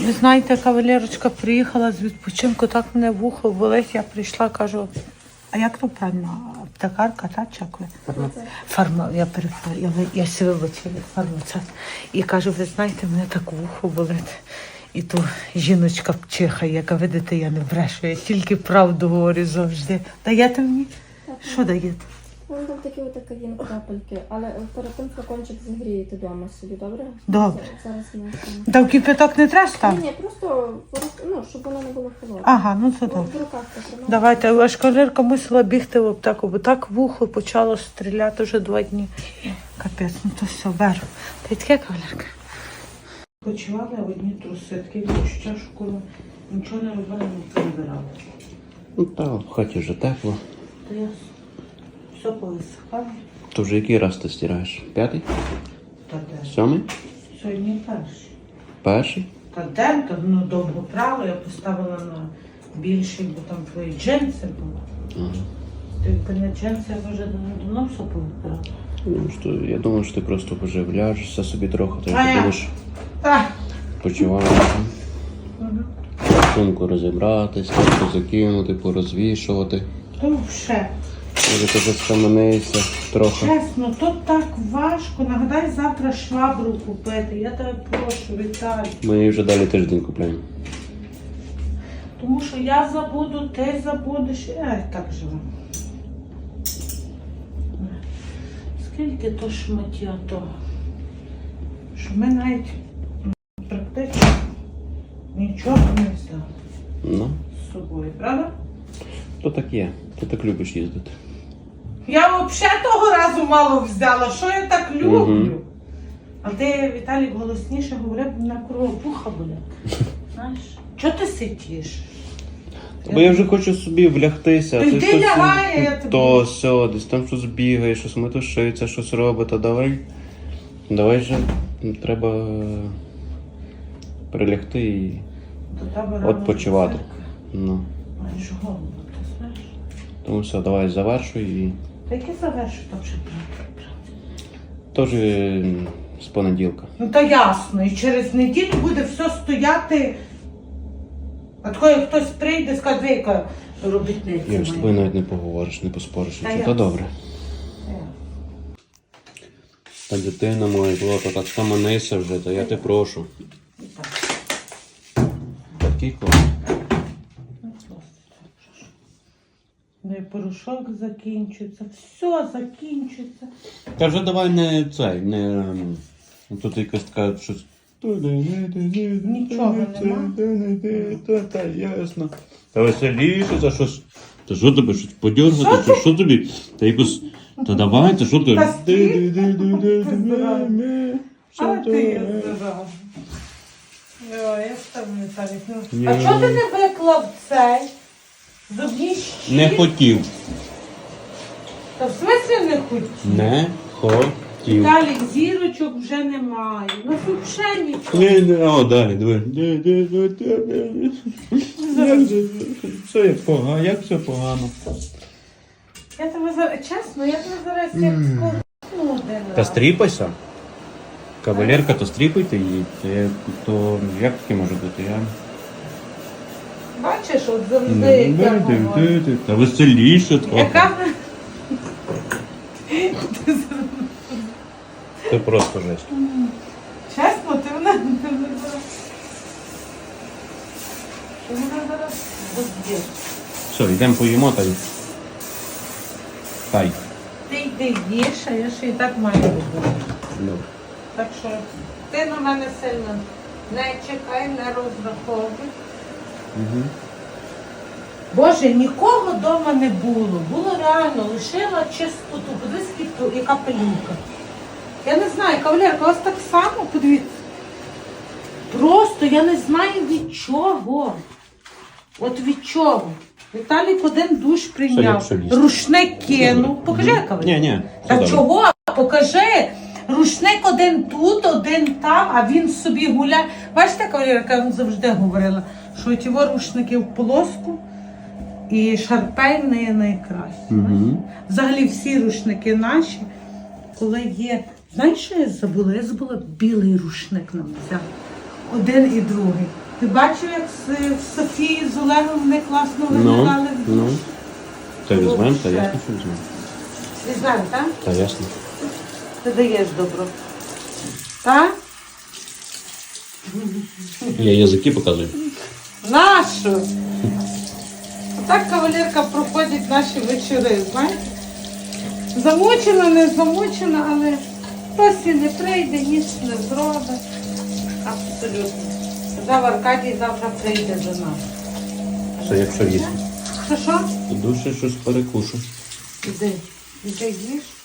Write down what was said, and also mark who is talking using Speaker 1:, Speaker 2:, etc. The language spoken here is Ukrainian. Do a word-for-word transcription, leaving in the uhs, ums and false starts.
Speaker 1: Ви знаєте, кавалерочка приїхала з відпочинку, так мене вухо болить. Я прийшла, кажу, а як то правильно? Аптекарка, та чакує? Фармацевт. Фарма, я перепрошую, я, я себе вибачила, фармацевт. І кажу, ви знаєте, мене так вухо болить. І ту жіночка чихає, яка, видите, я не брешу, я тільки правду говорю завжди. Даєте мені? Так. Що даєте?
Speaker 2: Ну, там такі отакаїн крапельки, але перед тим флакончик зігрієте вдома собі, добре?
Speaker 1: Добре.
Speaker 2: Зараз не
Speaker 1: Та в кипяток не треба ставити?
Speaker 2: Ні, ні, просто, ну, щоб воно не було холодне.
Speaker 1: Ага, ну це
Speaker 2: В
Speaker 1: добре.
Speaker 2: руках потримати.
Speaker 1: Давайте, аж кавалерка мусила бігти в аптеку, бо так вухо почало стріляти вже два дні. Капець, ну то все, беру. Та й таке, кавалерка. Почували одні труси, таке відчуття, що коли нічого не робили, не перебирали.
Speaker 3: Ну так, в хаті вже тепло.
Speaker 1: То я все повисихало.
Speaker 3: То вже який раз ти стираєш? П'ятий?
Speaker 1: Та де?
Speaker 3: Сьомий?
Speaker 1: Сьогодні перший.
Speaker 3: Перший?
Speaker 1: Та де? Та ну довго прало, я поставила на більший, бо там твої джинси були.
Speaker 3: Ага.
Speaker 1: Ти якби не джинси, я вже давно все повибирала.
Speaker 3: Ну, що, я думаю, що ти просто вже вляжешся собі трохи, то
Speaker 1: А
Speaker 3: ти
Speaker 1: я?
Speaker 3: будеш
Speaker 1: Так.
Speaker 3: почуваєш.
Speaker 1: Угу.
Speaker 3: Сумку розібратись, трохи закинути, порозвішувати.
Speaker 1: То вже.
Speaker 3: Може ти заскаменися трохи.
Speaker 1: Чесно, тут так важко. Нагадай завтра швабру купити. Я тебе прошу, Віталій.
Speaker 3: Ми її вже далі тиждень купляємо.
Speaker 1: Тому що я забуду, ти забудеш. Ай, так живу. Скільки то шмаття того, що ми навіть м, практично нічого не взяли
Speaker 3: Ну,
Speaker 1: з собою, правда?
Speaker 3: то так є. Ти так любиш їздити.
Speaker 1: Я взагалі того разу мало взяла, що я так люблю.
Speaker 3: Мгм.
Speaker 1: А ти, Віталік, голосніше говорив, на кровопуха болять. Знаєш? Чого ти сидиш?
Speaker 3: Бо я вже хочу собі влягтися.
Speaker 1: То
Speaker 3: ти
Speaker 1: йди
Speaker 3: щось-
Speaker 1: лягай, я тобі-
Speaker 3: То все, десь там щось бігає, щось метушиться, щось робить, то давай. Давай же треба прилягти і
Speaker 1: До тебе рано
Speaker 3: відпочивати.
Speaker 1: до церкви.
Speaker 3: Ну.
Speaker 1: Маєш голову, ти знаєш?
Speaker 3: Тому все, давай завершуй і
Speaker 1: Та яке завершу там ще брати?
Speaker 3: теж м, з понеділка.
Speaker 1: Ну та ясно, і через неділю буде все стояти. А такої хтось прийде, скаже, дві, яка робітниця.
Speaker 3: Я ж з
Speaker 1: моя.
Speaker 3: тобою навіть не поговориш, не поспориш.
Speaker 1: Та
Speaker 3: Та
Speaker 1: я-
Speaker 3: то добре.
Speaker 1: Е.
Speaker 3: Та дитина моя, Злата, так скаманися вже, та я те прошу.
Speaker 1: І так.
Speaker 3: Такий клас.
Speaker 1: Ну, просто. Ну і порошок закінчується, все закінчується.
Speaker 3: Та вже давай не цей, не ем, тут якась така щось.
Speaker 1: Нічого нема.
Speaker 3: Та, та ясно. Та веселіше, за щось. Та що тобі, щось подергати,
Speaker 1: Що
Speaker 3: чи що тобі? Та якось. Та давай, та що ти?
Speaker 1: Та стій. А ти я здорова. О, я ж там не так.
Speaker 3: Ні.
Speaker 1: А чого ти не виклав цей? Зубні щітки?
Speaker 3: Не хотів.
Speaker 1: Та в смислі не хотів?
Speaker 3: Не хотів.
Speaker 1: Віталік, зірочок вже немає. Ну взагалі нічого.
Speaker 3: Не, не, о, далі, диви. Як же, все як погано, як все погано.
Speaker 1: Я тебе зараз, чесно, я тебе зараз як скорну один
Speaker 3: Та
Speaker 1: раз.
Speaker 3: стріпайся. Кавалерка, то стріпайте її. Це, то як таке може бути? Я...
Speaker 1: Бачиш, от завжди як я говорю.
Speaker 3: Та веселіше трохи.
Speaker 1: Яка?
Speaker 3: Це просто жесть.
Speaker 1: Чесно, ти мене ти мене зараз. Ти мене зараз розб'єш.
Speaker 3: Все, йдемо поїмо та й. Хай.
Speaker 1: Ти йди їж, а я ще і так маю робити.
Speaker 3: Добре.
Speaker 1: Так що ти на мене сильно не чекай, не розраховуй.
Speaker 3: Угу.
Speaker 1: Боже, нікого вдома не було. Було реально, лишила чистоту. Подивись, скільки- яка пилюка. Я не знаю, кавалерка, у вас так само, подивіться. Просто я не знаю від чого. От від чого. Віталік один душ
Speaker 3: Все,
Speaker 1: прийняв,
Speaker 3: як все лізти.
Speaker 1: рушник кинув. Покажи, кавалерка.
Speaker 3: Ні, ні.
Speaker 1: Та чого? Покажи. Рушник один тут, один там, а він собі гуляє. Бачите, кавалерка, я вам завжди говорила, що ті рушники в полоску і шарпей не найкраще.
Speaker 3: Угу.
Speaker 1: Взагалі всі рушники наші, коли є. Знаєш, що я забула? Я забула білий рушник нам взяти. Один і другий. Ти бачив, як з, з Софії з Олегом вони класно
Speaker 3: Ну,
Speaker 1: виглядали?
Speaker 3: ну. Та візьмемо, та
Speaker 1: Лучше.
Speaker 3: ясно, що візьмемо.
Speaker 1: Візьмемо, так?
Speaker 3: Та ясно.
Speaker 1: Ти даєш добро. Так?
Speaker 3: Я язики показую.
Speaker 1: Нашу! Отак кавалерка проходить наші вечори, знаєте? Замучена, не замучена, але хтось і не прийде, ніч не зробить. Абсолютно. Казав Аркадій, завтра прийде до нас.
Speaker 3: Це якщо їсти.
Speaker 1: Що що?
Speaker 3: Душе щось перекушу.
Speaker 1: Іди, іди їж.